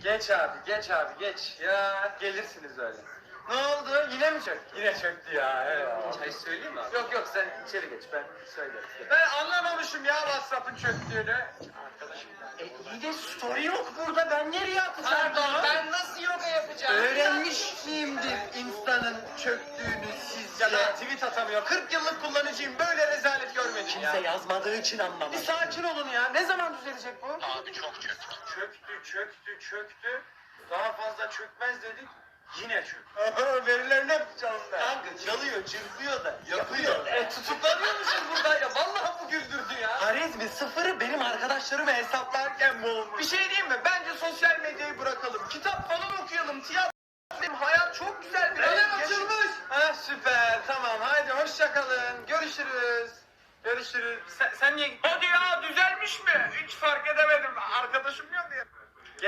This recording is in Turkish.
Geç abi, geç abi, geç. Ya gelirsiniz öyle. Ne oldu? Yine mi çöktü? Yine çöktü ya. Evet. Çay söyleyeyim mi abi? Yok yok sen içeri geç ben söylerim. Ben anlamamışım ya WhatsApp'ın çöktüğünü. Arkadaşım. İyi de story yok burada. Ben nereye atacağım? Pardon, Ben nasıl yoga yapacağım? Öğrenmiş miyimdir Insta'nın çöktüğünü sizce? Ya ben tweet atamıyor. 40 yıllık kullanıcıyım. Böyle rezalet görmedim Kimse ya. yazmadığı için Bir anlamadım. sakin olun ya. Ne zaman düzelecek bu? Abi çok çöktü. Çöktü. Daha fazla çökmez dedik. Yine çöktü. Verilerini hep çaldı. Kanka çalıyor, çırpıyor da yapıyor. Tutuklanıyormuşuz burada ya. Vallahi bu güldürdü ya. Harizmi sıfırı benim arkadaşlarımı hesaplarken bu olmuş. Bir şey diyeyim mi? Ben